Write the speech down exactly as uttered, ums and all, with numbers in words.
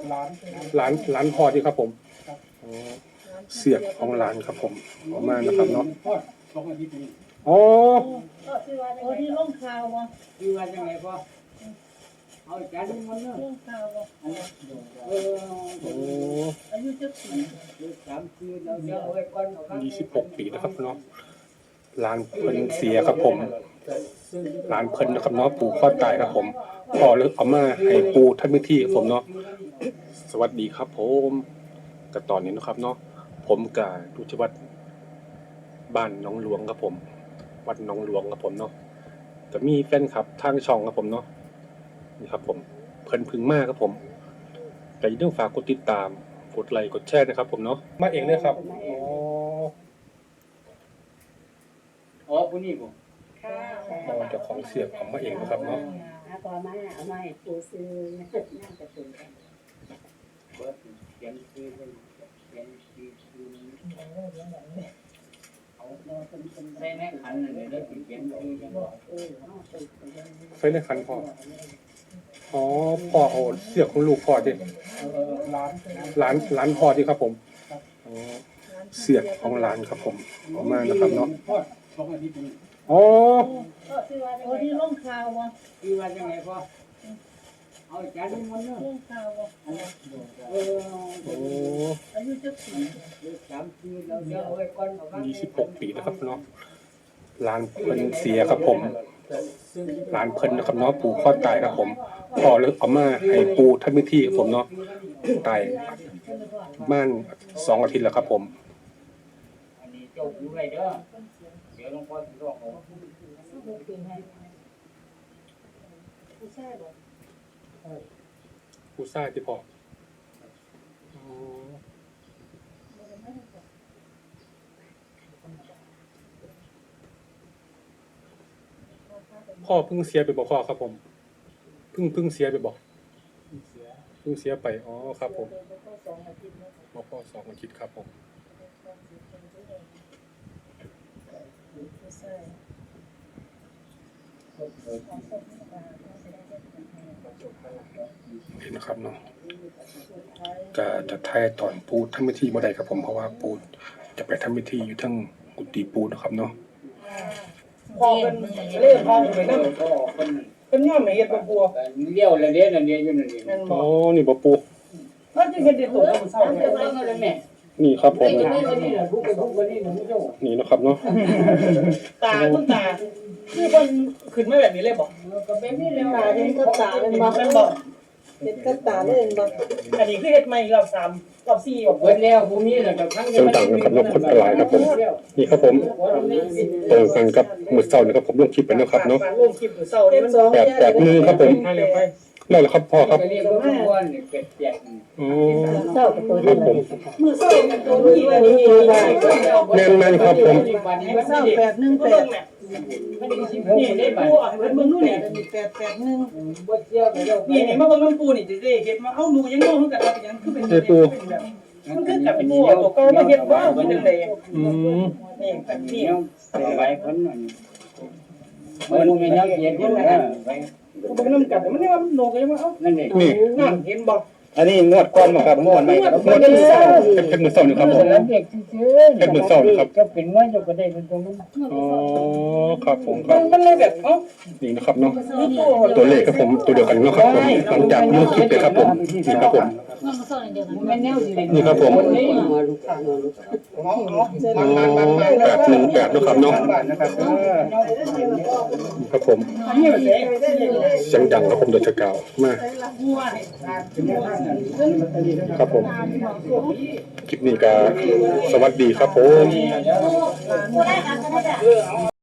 ร้านร้านพอดีครับผมเสียกของร้านครับผมออกมานะครับเนาะอ๋อโอ้ที่ลงข่าววะคือว่าจังไงพ่อเอาจานนี้มันเนาะลงข่าววะเออโอ้อายุจักปีสามปีเราเดี๋ยวเอาไว้ก่อนเอายี่สิบหกปีนะครับเนาะร้านเพิ่นเสียครับผมร้านเพิ่นนะครับเนาะปู่ข้อตายครับผมพอเลยเอามาให้ปู่ท่านมิที่ครับผมเนาะสวัสดีครับผมกับตอนนี้นะครับเนาะผมกับดูที่วัดบ้านน้องหลวงครับผมวัดน้องหลวงครับผมเนาะจะมีแฟนคลับทางช่องครับผมเนาะนี่ครับผมเพิ่นพึ่งมากครับผมแต่อย่าลืมฝากกดติดตามกดไลค์กดแชร์นะครับผมเนาะมาเองเลยครับอ๋ออ๋อผู้นี้บ่ค่ะอ๋อเจ้าของเสียงของมาเองนะครับเนาะเอาพอมาเอามาให้ปูซื้อน่าจะตื่นกันเบิดเขียนชื่อเพิ่นเขียนชื่อชื่อเอาใส่ในขันนั่นเลยแล้วสิเขียนชื่อจังบ่เออเอาตื่นกันไฟในคันพ่ออ๋อพ่อเอาเสียงของลูกพ่อดิร้านร้านพ่อดิครับผมอ๋อเสียงของร้านครับผมออกมานะครับเนาะอ๋อโอ้ที่ลงข่าววะคือว่าจังไงพ่อเอาจานนี้มันเนาะลงข่าววะเออโอ้อายุจักปีสามปีเราเดี๋ยวเอาไว้ก่อนเอายี่สิบหกปีนะครับเนาะร้านเพิ่นเสียครับผมร้านเพิ่นนะครับเนาะปู่ข้อตายครับผมพอเลยเอามาให้ปู่ท่านมิที่ครับผมเนาะตายบ้านสองอาทิตย์แล้วครับผมอันนี้เจ้าอยู่ไว้เด้อเดี๋ยวหลวงพ่อสิร้องเอาผู้ชายบ่ผู้ชายที่พ่อพ่อเพิ่งเสียไปบอกพ่อครับผมเพิ่งเพิ่งเสียไปบอกเพิ่งเสียไปอ๋อครับผมบอกพ่อสองอาทิตย์ครับผมนี่นะครับเนาะจะจะทายตอนปูทำพิธีบ่ได้ครับผมเพราะว่าปูจะไปทำพิธีอยู่ทั้งกุฏิปูนะครับเนาะพอเป็นเล่พอไปนั่นเป็นย่อมเฮ็ดบ่ปัวเลี้ยวละเด้นั่นเด้อยู่นั่นนี่อ๋อนี่บ่ปูมันจะเฮ็ดได้ตัวมันเศร้าแม่นี่ครับผมนี่นะครับเนาะตาคุณตาคือเพิ่นขึ้นมาแบบนี้เลยบ่ก็เป็นนี่แล้วตาเป็นก็ตาเป็นบ่เป็นบ่เป็นก็ตาเลยบ่อันนี้คือเฮ็ดใหม่รอบสามรอบสี่บ่เบิดแล้วผู้มีแล้วก็ครั้งจังดังนะครับเนาะคนหลายครับผมนี่ครับผมตรงกันกับมื้อเช้านี่ครับผมลงคลิปไปนะครับเนาะลงคลิปมื้อเช้านี่มันแปด แปดมือครับผมนั่นแหละครับพ่อครับอ๋อครับผมมื้อเช้าตัวนี้ว่านี่แม่นๆครับผมมื้อเช้าแปดหนึ่งแปดนี่ได้ปูอ่ะเพิ่นเบิ่งนู่นนี่แปด แปดหนึ่งนี่นี่มาเบิ่งน้ำปูนี่สิได้เฮ็ดมาเอ้าหนูยังงงคือกันว่ายังคือเป็นมันคือกับปูตัวเก่ามาเฮ็ดว่าเป็นจังได๋อืมนี่แบบนี้ไปคนนั้นมันมีน้ำเย็นอยู่นะไปเบิ่งน้ำกันมันนี่ว่าโหนกยังว่าเอ้านั่นนี่น้ำเห็นบ่อันนี้งวดก่อนบ่ครับงวดใหม่ครับงวดที่สองเป็นมื้อเช้านี่ครับผมเป็นมื้อเช้านี่ครับก็เป็นว่าอยู่ก็ได้เป็นตรงนั้นอ๋อครับผมครับมันเลยแบบเอ้านี่นะครับเนาะตัวเลขครับผมตัวเดียวกันเนาะครับผมหลังจากลงคลิปไปครับผมนี่ครับผมนี่ครับผมอ๋อแปดหนึ่งแปดนะครับเนาะครับผมเสียงดังครับผมโดยเฉพาะมากครับผมคลิปนี้ก็สวัสดีครับผม